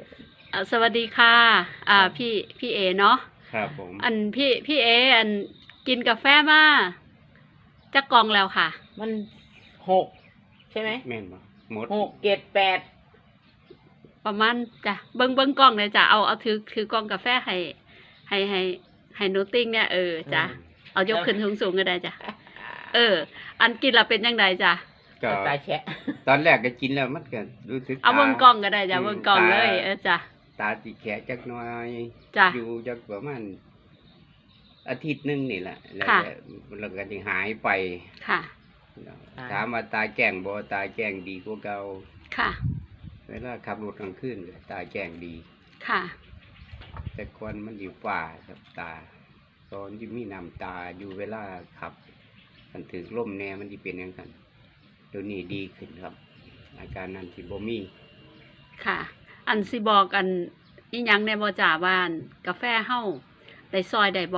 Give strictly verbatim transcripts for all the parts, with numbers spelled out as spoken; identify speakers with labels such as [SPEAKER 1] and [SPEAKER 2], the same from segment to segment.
[SPEAKER 1] อ่าสวัสดีค่ะ อ่าพี่พี่เอเนาะ
[SPEAKER 2] ครับผม
[SPEAKER 1] อันพี่พี่เออันกินกาแฟมาจะกล่องแล้วค่ะ
[SPEAKER 3] มันหกใช่ไหม
[SPEAKER 2] แม่นบ่หมด
[SPEAKER 3] หกเจ็ดแปด
[SPEAKER 1] ประมาณจ้ะเบิ้งเบิ้งกล่องเลยจ้ะเอาเอาถือถือกล่องกาแฟให้ให้ให้ให้หนูติ้งเนี่ยเออจ้ะเอายกขึ้นสูงสูงก็ได้จ้ะเออ อันกินแล้วเป็นยังไงจ้ะ
[SPEAKER 2] ก็
[SPEAKER 3] ตาแฉะ
[SPEAKER 2] ตอนแรกก็กินแล้วมันก็รู้สึก
[SPEAKER 1] เอา
[SPEAKER 2] ต
[SPEAKER 1] เบิ้งกล่องก็ได้จ้ะเบิ้งกล่องเลย เออจ้ะ
[SPEAKER 2] ตาสิแขะจักหน่อย
[SPEAKER 1] จ้ะ
[SPEAKER 2] อยู่จักประมาณอาทิตย์หนึงนี่แหละแล้ว
[SPEAKER 1] ค่ะ
[SPEAKER 2] ก็แล้วก็สิหายไป
[SPEAKER 1] ค่ะ
[SPEAKER 2] ถามว่าตาแจ้งบ่ตาแจ้งดีกว่าเก่า
[SPEAKER 1] ค่ะ
[SPEAKER 2] เวลาขับรถกลางคืนก็ตาแจ้งดี
[SPEAKER 1] ค่ะ
[SPEAKER 2] แต่ก่อนมันอยู่ฝ่าครับตา ตอนที่มีน้ำตาอยู่เวลาขับมันถือล่มแน่มันสิเป็นจังซั่นเดี๋ยวนี้ดีขึ้นครับ อาการนั้นสิบ่มี
[SPEAKER 1] ค่ะ อันสิบอกอันอีหยังในบ่จ่าบ้านกาแฟเฮาได้ซอยได้บ่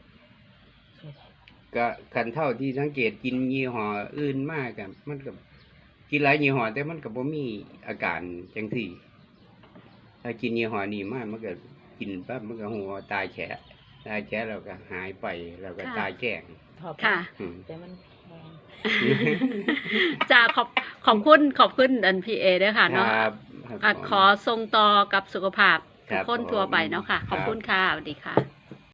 [SPEAKER 2] ก็คันเท่าที่สังเกตกินยี่ห้ออื่นมากกับมันกับกินหลายยี่ห้อแต่มันก็บ่มีอาการจังที่ถ้ากินยี่ห้อนี้มากมันก็กินปั๊บมันก็หัวตายแฉะตายแฉะแล้วก็หายไปแล้วก็ตายแจ้ง
[SPEAKER 3] ชอบ
[SPEAKER 1] ค่ะ
[SPEAKER 2] อืม
[SPEAKER 3] แต่มันแพง
[SPEAKER 1] จ้าขอบขอบคุณขอบคุณอันพีเอด้วยค่ะ
[SPEAKER 2] ค
[SPEAKER 1] เนาะ
[SPEAKER 2] รับ
[SPEAKER 1] อ่ะขอส่งต่อกับสุขภาพ
[SPEAKER 2] ครั
[SPEAKER 1] ทุก
[SPEAKER 2] บ
[SPEAKER 1] คนทั่วไปเนาะค่ะ
[SPEAKER 2] ผม
[SPEAKER 1] ขอบคุณ
[SPEAKER 2] ครับ
[SPEAKER 1] ค่ะสวัสดีค่ะ